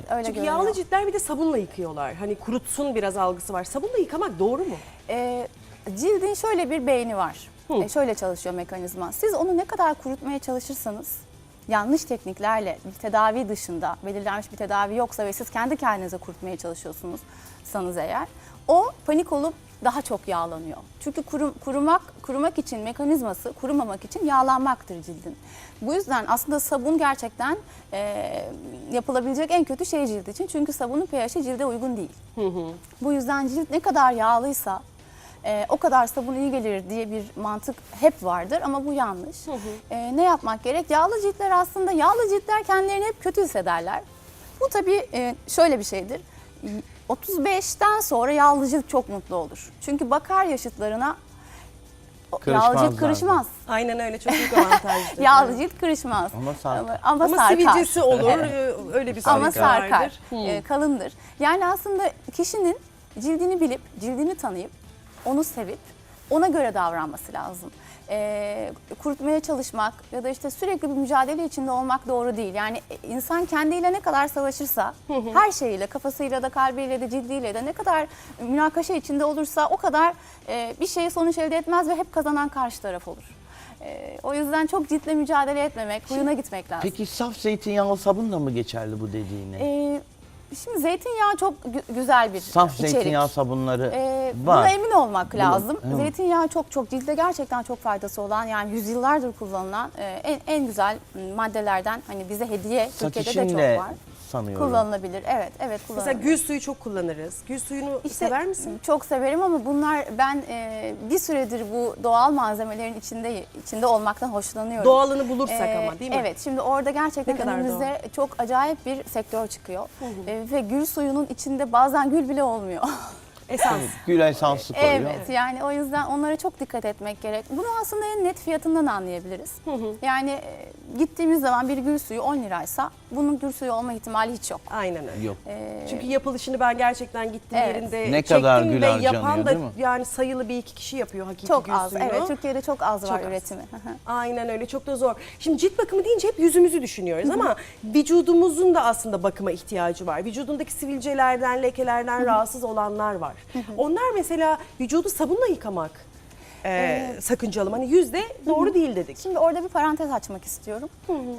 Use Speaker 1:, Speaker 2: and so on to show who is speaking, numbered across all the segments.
Speaker 1: öyle
Speaker 2: Çünkü
Speaker 1: görünüyor.
Speaker 2: yağlı ciltler bir de sabunla yıkıyorlar. Hani kurutsun biraz algısı var. Sabunla yıkamak doğru mu?
Speaker 1: Cildin şöyle bir beyni var. Şöyle çalışıyor mekanizma. Siz onu ne kadar kurutmaya çalışırsanız, yanlış tekniklerle bir tedavi dışında belirlenmiş bir tedavi yoksa ve siz kendi kendinize kurutmaya çalışıyorsunuz eğer, o panik olup daha çok yağlanıyor. Çünkü kurumak için mekanizması, kurumamak için yağlanmaktır cildin. Bu yüzden aslında sabun gerçekten yapılabilecek en kötü şey cilt için. Çünkü sabunun pH'i cilde uygun değil. Bu yüzden cilt ne kadar yağlıysa o kadar sabun iyi gelir diye bir mantık hep vardır ama bu yanlış. Ne yapmak gerek? Yağlı ciltler kendilerini hep kötü hissederler. Bu tabii şöyle bir şeydir. 35'ten sonra yağlı cilt çok mutlu olur. Çünkü bakar yaşıtlarına yağlı cilt kırışmaz.
Speaker 2: Aynen öyle, çok büyük avantajdır.
Speaker 1: Yağlı cilt kırışmaz.
Speaker 3: Ama sarkar.
Speaker 1: Ama sarkar.
Speaker 2: sivilcesi olur, öyle bir
Speaker 1: Ama
Speaker 2: sıkıntı vardır.
Speaker 1: sarkar, kalındır. Yani aslında kişinin cildini bilip, cildini tanıyıp, onu sevip, ona göre davranması lazım. Kurutmaya çalışmak ya da işte sürekli bir mücadele içinde olmak doğru değil. Yani insan kendiyle ne kadar savaşırsa, her şeyiyle, kafasıyla da, kalbiyle de, cildiyle de ne kadar münakaşa içinde olursa o kadar bir şeye sonuç elde etmez ve hep kazanan karşı taraf olur. O yüzden çok ciltle mücadele etmemek, huyuna gitmek lazım.
Speaker 3: Peki saf zeytinyağlı sabunla mı geçerli bu dediğine?
Speaker 1: Şimdi zeytinyağı çok güzel bir
Speaker 3: Saf
Speaker 1: içerik.
Speaker 3: zeytinyağı sabunları
Speaker 1: Buna
Speaker 3: var.
Speaker 1: emin olmak lazım.
Speaker 3: evet.
Speaker 1: Zeytinyağı çok cilde gerçekten çok faydası olan, yani yüzyıllardır kullanılan en güzel maddelerden, hani bize hediye
Speaker 3: Saç
Speaker 1: Türkiye'de de
Speaker 3: için
Speaker 1: çok
Speaker 3: de
Speaker 1: var.
Speaker 3: sanıyorum.
Speaker 1: Kullanılabilir. Evet,
Speaker 2: Mesela
Speaker 1: kullanılabilir.
Speaker 2: gül suyu çok kullanırız. Gül suyunu sever misin?
Speaker 1: Çok severim ama ben bir süredir bu doğal malzemelerin içinde olmaktan hoşlanıyorum.
Speaker 2: Doğalını bulursak ama, değil mi?
Speaker 1: Evet, şimdi orada gerçekten
Speaker 2: Ne kadar
Speaker 1: önümüze çok acayip bir sektör çıkıyor. Ve gül suyunun içinde bazen gül bile olmuyor.
Speaker 2: Esans.
Speaker 3: Gül esansı koyuyor.
Speaker 1: Evet, yani o yüzden onlara çok dikkat etmek gerek. Bunu aslında en net fiyatından anlayabiliriz. Yani gittiğimiz zaman bir gül suyu 10 liraysa bunun gül suyu olma ihtimali hiç yok.
Speaker 2: Aynen öyle.
Speaker 3: Yok.
Speaker 2: Çünkü yapılışını ben gerçekten gittiğim
Speaker 1: Evet.
Speaker 2: yerinde
Speaker 3: Ne kadar
Speaker 2: çektim
Speaker 3: gül
Speaker 2: ve
Speaker 3: harcanıyor,
Speaker 2: yapan da
Speaker 3: değil mi?
Speaker 2: yani sayılı bir iki kişi yapıyor hakiki
Speaker 1: Çok
Speaker 2: gül
Speaker 1: az,
Speaker 2: suyunu.
Speaker 1: evet. Türkiye'de çok az var
Speaker 2: Çok az.
Speaker 1: üretimi.
Speaker 2: Aynen öyle, çok da zor. Şimdi cilt bakımı deyince hep yüzümüzü düşünüyoruz ama vücudumuzun da aslında bakıma ihtiyacı var. Vücudundaki sivilcelerden, lekelerden rahatsız olanlar var. Onlar mesela vücudu sabunla yıkamak sakıncalı. Hani yüzde doğru değil dedik.
Speaker 1: Şimdi orada bir parantez açmak istiyorum.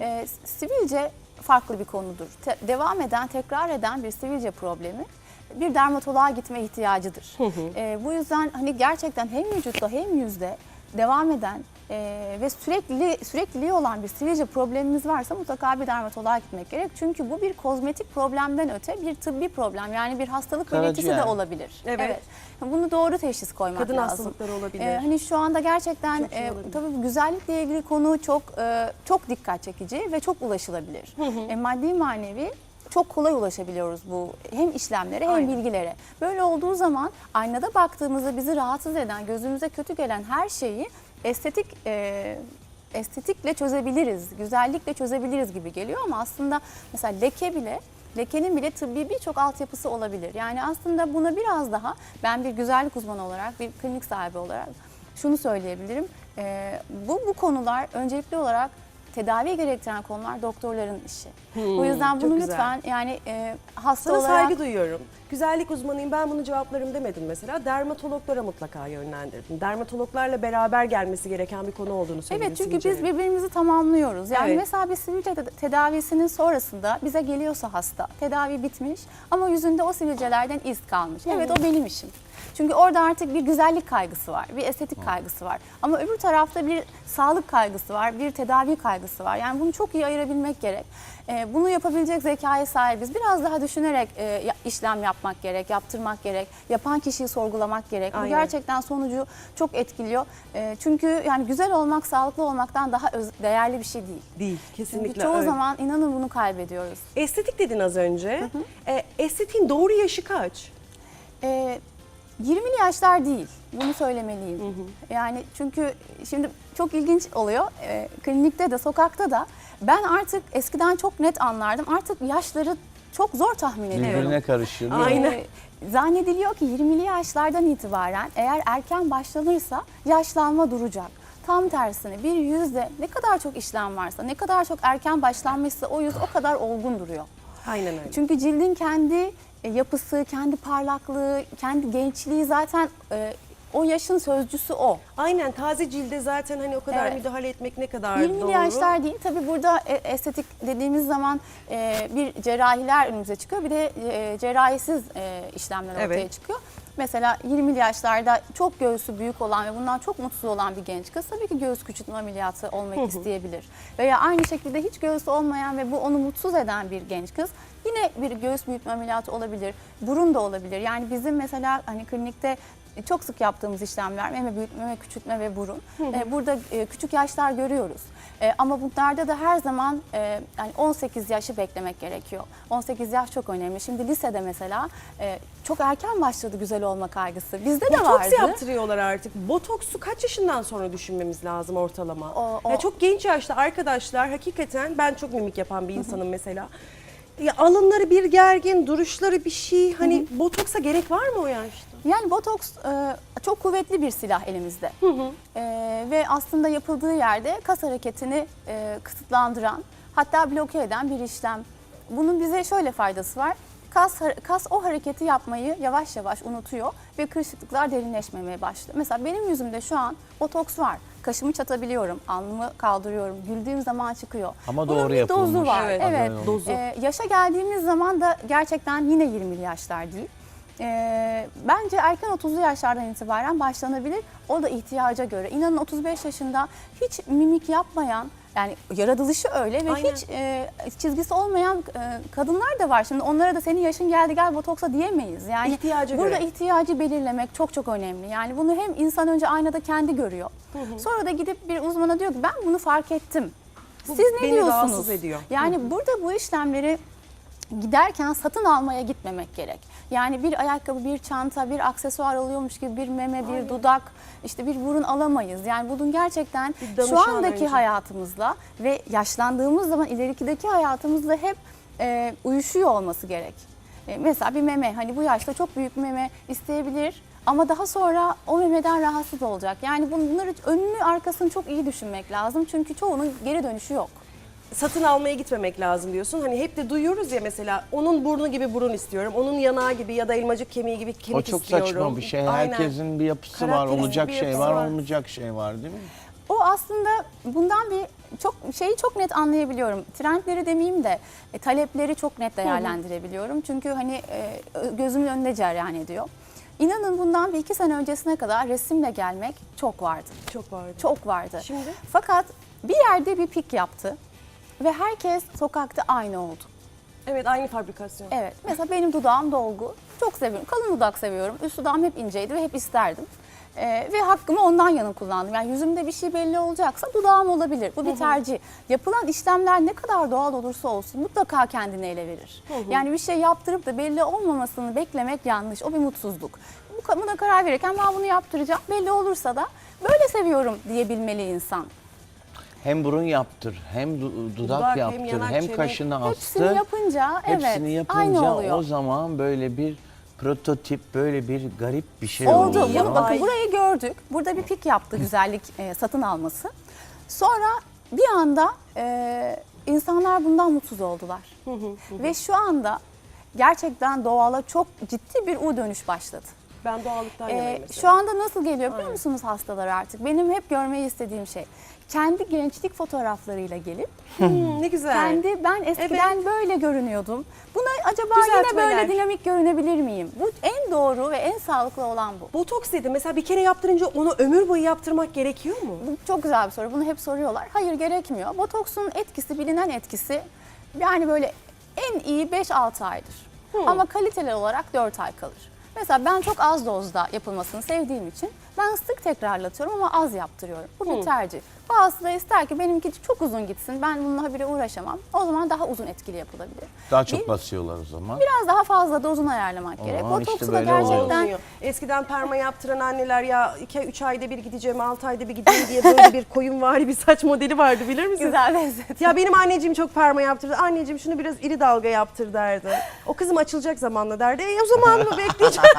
Speaker 1: Sivilce farklı bir konudur. Devam eden, tekrar eden bir sivilce problemi bir dermatoloğa gitme ihtiyacıdır. Bu yüzden hani gerçekten hem vücutta hem yüzde devam eden ve sürekliliği olan bir sivilce problemimiz varsa mutlaka bir dermatoloğa gitmek gerek. Çünkü bu bir kozmetik problemden öte bir tıbbi problem. Yani bir hastalık belirtisi de olabilir.
Speaker 2: Evet.
Speaker 1: Bunu doğru teşhis koymak
Speaker 2: Kadın
Speaker 1: lazım.
Speaker 2: hastalıkları olabilir.
Speaker 1: Hani şu anda gerçekten
Speaker 2: Çok şey olabilir.
Speaker 1: tabii güzellikle ilgili konu çok dikkat çekici ve çok ulaşılabilir. Maddi manevi çok kolay ulaşabiliyoruz bu hem işlemlere hem
Speaker 2: Aynen.
Speaker 1: bilgilere. Böyle olduğu zaman aynada baktığımızda bizi rahatsız eden, gözümüze kötü gelen her şeyi estetikle çözebiliriz, güzellikle çözebiliriz gibi geliyor ama aslında mesela lekenin bile tıbbi birçok altyapısı olabilir. Yani aslında buna biraz daha ben bir güzellik uzmanı olarak, bir klinik sahibi olarak şunu söyleyebilirim. Bu konular öncelikli olarak tedavi gerektiren konular doktorların işi. O yüzden bunu
Speaker 2: çok güzel.
Speaker 1: lütfen yani hasta
Speaker 2: Sana
Speaker 1: olarak...
Speaker 2: saygı duyuyorum. Güzellik uzmanıyım, ben bunu cevaplarım demedim mesela. Dermatologlara mutlaka yönlendirdim. Dermatologlarla beraber gelmesi gereken bir konu olduğunu söyledim.
Speaker 1: Evet, çünkü biz
Speaker 2: sivilcelerin.
Speaker 1: birbirimizi tamamlıyoruz. Yani
Speaker 2: Evet.
Speaker 1: mesela bir sivilce tedavisinin sonrasında bize geliyorsa hasta, tedavi bitmiş ama yüzünde o sivilcelerden iz kalmış. Evet, o benim işim. Çünkü orada artık bir güzellik kaygısı var, bir estetik kaygısı var. Ama öbür tarafta bir sağlık kaygısı var, bir tedavi kaygısı var. Yani bunu çok iyi ayırabilmek gerek. Bunu yapabilecek zekaya sahibiz. Biraz daha düşünerek işlem yapmak gerek, yaptırmak gerek, yapan kişiyi sorgulamak gerek. Bu
Speaker 2: Aynen.
Speaker 1: gerçekten sonucu çok etkiliyor. Çünkü yani güzel olmak, sağlıklı olmaktan daha değerli bir şey değil.
Speaker 2: Değil,
Speaker 1: Çünkü
Speaker 2: kesinlikle
Speaker 1: çoğu
Speaker 2: öyle.
Speaker 1: zaman inanın bunu kaybediyoruz.
Speaker 2: Estetik dedin az önce. Estetiğin doğru yaşı kaç?
Speaker 1: 20'li yaşlar değil, bunu söylemeliyim. Yani çünkü şimdi çok ilginç oluyor, klinikte de sokakta da ben artık eskiden çok net anlardım, artık yaşları çok zor tahmin ediyorum.
Speaker 3: Birbirine karışıyor değil mi?
Speaker 2: Aynen.
Speaker 1: Zannediliyor ki 20'li yaşlardan itibaren eğer erken başlanırsa yaşlanma duracak. Tam tersine bir yüzde ne kadar çok işlem varsa, ne kadar çok erken başlanmışsa o yüz o kadar olgun duruyor.
Speaker 2: Aynen öyle.
Speaker 1: Çünkü cildin kendi yapısı, kendi parlaklığı, kendi gençliği zaten o yaşın sözcüsü o.
Speaker 2: Aynen, taze cilde zaten hani o kadar
Speaker 1: Evet.
Speaker 2: müdahale etmek ne kadar
Speaker 1: 20'li
Speaker 2: doğru.
Speaker 1: yaşlar değil. Tabii burada estetik dediğimiz zaman bir cerrahiler önümüze çıkıyor. Bir de cerrahisiz işlemler ortaya
Speaker 2: Evet.
Speaker 1: çıkıyor. Mesela 20'li yaşlarda çok göğsü büyük olan ve bundan çok mutsuz olan bir genç kız tabii ki göğüs küçültme ameliyatı olmak isteyebilir. Veya aynı şekilde hiç göğsü olmayan ve bu onu mutsuz eden bir genç kız yine bir göğüs büyütme ameliyatı olabilir. Burun da olabilir. Yani bizim mesela hani klinikte çok sık yaptığımız işlemler meme büyütme, meme küçültme ve burun. Burada küçük yaşlar görüyoruz. Ama bunlarda da her zaman yani 18 yaşı beklemek gerekiyor. 18 yaş çok önemli. Şimdi lisede mesela çok erken başladı güzel olma kaygısı. Bizde de vardı.
Speaker 2: Botoks yaptırıyorlar artık. Botoksu kaç yaşından sonra düşünmemiz lazım ortalama? Ya çok genç yaşta arkadaşlar, hakikaten ben çok mimik yapan bir insanım mesela. Ya alınları bir gergin, duruşları bir şey. Hani botoksa gerek var mı o yaşta?
Speaker 1: Yani botoks çok kuvvetli bir silah elimizde. Ve aslında yapıldığı yerde kas hareketini kısıtlandıran, hatta bloke eden bir işlem. Bunun bize şöyle faydası var. Kas o hareketi yapmayı yavaş yavaş unutuyor ve kırışıklıklar derinleşmemeye başlıyor. Mesela benim yüzümde şu an botoks var. Kaşımı çatabiliyorum, alnımı kaldırıyorum, güldüğüm zaman çıkıyor.
Speaker 3: Ama
Speaker 1: Bunun
Speaker 3: doğru
Speaker 1: bir dozu
Speaker 3: yapılmış.
Speaker 1: var.
Speaker 2: Evet,
Speaker 1: Evet.
Speaker 2: dozu.
Speaker 1: Yaşa geldiğimiz zaman da gerçekten yine 20'li yaşlar değil. Bence erken 30'lu yaşlardan itibaren başlanabilir. O da ihtiyaca göre. İnanın 35 yaşında hiç mimik yapmayan, yani yaratılışı öyle ve
Speaker 2: Aynen.
Speaker 1: hiç çizgisi olmayan kadınlar da var. Şimdi onlara da senin yaşın geldi gel botoksa diyemeyiz. Yani
Speaker 2: İhtiyacı
Speaker 1: burada
Speaker 2: göre.
Speaker 1: ihtiyacı belirlemek çok çok önemli. Yani bunu hem insan önce aynada kendi görüyor. Sonra da gidip bir uzmana diyor ki ben bunu fark ettim.
Speaker 2: Bu
Speaker 1: Siz ne
Speaker 2: beni
Speaker 1: diyorsunuz?
Speaker 2: rahatsız ediyor.
Speaker 1: Yani burada bu işlemleri giderken satın almaya gitmemek gerek. Yani bir ayakkabı, bir çanta, bir aksesuar alıyormuş gibi bir meme, bir dudak, işte bir burun alamayız. Yani bunun gerçekten
Speaker 2: Bir danışan
Speaker 1: şu andaki
Speaker 2: önce.
Speaker 1: hayatımızla ve yaşlandığımız zaman ilerikideki hayatımızla hep uyuşuyor olması gerek. Mesela bir meme, hani bu yaşta çok büyük bir meme isteyebilir ama daha sonra o memeden rahatsız olacak. Yani bunları önünü arkasını çok iyi düşünmek lazım çünkü çoğunun geri dönüşü yok.
Speaker 2: Satın almaya gitmemek lazım diyorsun. Hani hep de duyuyoruz ya mesela onun burnu gibi burun istiyorum. Onun yanağı gibi ya da elmacık kemiği gibi kemik
Speaker 3: O çok
Speaker 2: istiyorum.
Speaker 3: saçma bir şey.
Speaker 2: Aynen.
Speaker 3: Herkesin bir yapısı var,
Speaker 2: Karakteristik
Speaker 3: olacak
Speaker 2: bir
Speaker 3: şey
Speaker 2: yapısı
Speaker 3: var,
Speaker 2: var.
Speaker 3: olmayacak şey var değil mi?
Speaker 1: O aslında bundan şeyi çok net anlayabiliyorum. Trendleri demeyeyim de talepleri çok net değerlendirebiliyorum. Çünkü hani gözümün önünde cereyan ediyor. İnanın bundan bir 2 sene öncesine kadar resimle gelmek çok vardı.
Speaker 2: Çok vardı.
Speaker 1: Çok vardı.
Speaker 2: Şimdi?
Speaker 1: Fakat bir yerde bir pik yaptı ve herkes sokakta aynı oldu.
Speaker 2: Evet, aynı fabrikasyon.
Speaker 1: Evet. Mesela benim dudağım dolgu. Çok seviyorum. Kalın dudak seviyorum. Üst dudağım hep inceydi ve hep isterdim. Ve hakkımı ondan yana kullandım. Yani yüzümde bir şey belli olacaksa dudağım olabilir. Bu bir tercih. Yapılan işlemler ne kadar doğal olursa olsun mutlaka kendini ele verir. Yani bir şey yaptırıp da belli olmamasını beklemek yanlış. O bir mutsuzluk. Buna karar verirken ben bunu yaptıracağım. Belli olursa da böyle seviyorum diyebilmeli insan.
Speaker 3: Hem burun yaptır, hem dudak
Speaker 2: Dudak, hem
Speaker 3: yaptır,
Speaker 2: yanak,
Speaker 3: hem
Speaker 2: çene.
Speaker 3: kaşını
Speaker 1: Hepsini
Speaker 3: astır.
Speaker 1: yapınca
Speaker 3: Hepsini
Speaker 1: evet aynı
Speaker 3: yapınca
Speaker 1: oluyor.
Speaker 3: o zaman böyle bir prototip, böyle bir garip bir şey
Speaker 1: Oldu.
Speaker 3: oluyor.
Speaker 1: Bunu bakın burayı gördük. Burada bir pik yaptı güzellik satın alması. Sonra bir anda insanlar bundan mutsuz oldular. Ve şu anda gerçekten doğala çok ciddi bir dönüş başladı.
Speaker 2: Ben doğallıktan yanayım mesela.
Speaker 1: Şu anda nasıl geliyor biliyor musunuz hastalar artık? Benim hep görmeyi istediğim şey. Kendi gençlik fotoğraflarıyla gelip
Speaker 2: Ne güzel.
Speaker 1: ben eskiden böyle görünüyordum. Buna acaba
Speaker 2: Düzeltmeler.
Speaker 1: yine böyle dinamik görünebilir miyim? Bu en doğru ve en sağlıklı olan bu.
Speaker 2: Botoks dedi. Mesela bir kere yaptırınca onu ömür boyu yaptırmak gerekiyor mu?
Speaker 1: Bu çok güzel bir soru. Bunu hep soruyorlar. Hayır gerekmiyor. Botoksun etkisi, bilinen etkisi yani böyle en iyi 5-6 aydır. Ama kaliteli olarak 4 ay kalır. Mesela ben çok az dozda yapılmasını sevdiğim için ben sık tekrarlatıyorum ama az yaptırıyorum. Bu bir tercih. Bazısı da ister ki benimki çok uzun gitsin, ben bununla habire uğraşamam. O zaman daha uzun etkili yapılabilir.
Speaker 3: Daha çok basıyorlar o zaman.
Speaker 1: Biraz daha fazla dozunu ayarlamak gerek.
Speaker 3: zaman işte
Speaker 1: Botoksu da
Speaker 3: böyle oluyor.
Speaker 1: gerçekten
Speaker 2: Olmuyor. Eskiden perma yaptıran anneler ya 2-3 ayda bir gideceğim, 6 ayda bir gideyim diye böyle bir koyunvari bir saç modeli vardı, bilir misin?
Speaker 1: güzel lezzet.
Speaker 2: Ya benim anneciğim çok perma yaptırdı. Anneciğim şunu biraz iri dalga yaptır derdi. O kızım açılacak zamanla derdi. O zaman mı bekleyeceğim?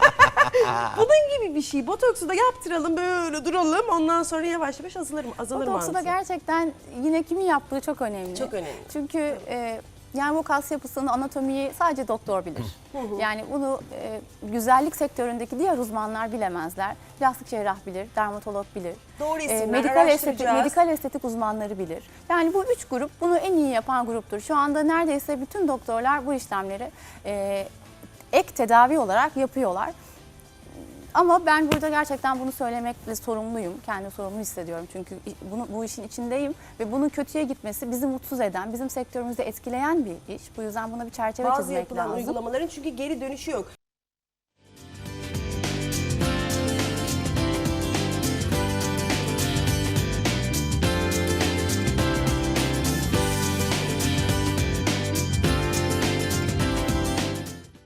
Speaker 2: Bunun gibi bir şey. Botoksu da yaptıralım, böyle duralım. Ondan sonra yavaş yavaş azalır
Speaker 1: Botoksu da
Speaker 2: mantığı.
Speaker 1: gerçekten yine kimin yaptığı çok önemli.
Speaker 2: Çok önemli.
Speaker 1: Çünkü Yani bu kas yapısını, anatomiyi sadece doktor bilir. Yani bunu güzellik sektöründeki diğer uzmanlar bilemezler. Plastik cerrah bilir, dermatolog bilir.
Speaker 2: Doğru isimler,
Speaker 1: Medikal estetik uzmanları bilir. Yani bu 3 grup bunu en iyi yapan gruptur. Şu anda neredeyse bütün doktorlar bu işlemleri ek tedavi olarak yapıyorlar. Ama ben burada gerçekten bunu söylemekle sorumluyum. Kendi sorumlu hissediyorum çünkü bu işin içindeyim ve bunun kötüye gitmesi bizi mutsuz eden, bizim sektörümüzü etkileyen bir iş. Bu yüzden buna bir çerçeve
Speaker 2: Bazı
Speaker 1: çizmek
Speaker 2: yapılan
Speaker 1: lazım.
Speaker 2: uygulamaların çünkü geri dönüşü yok.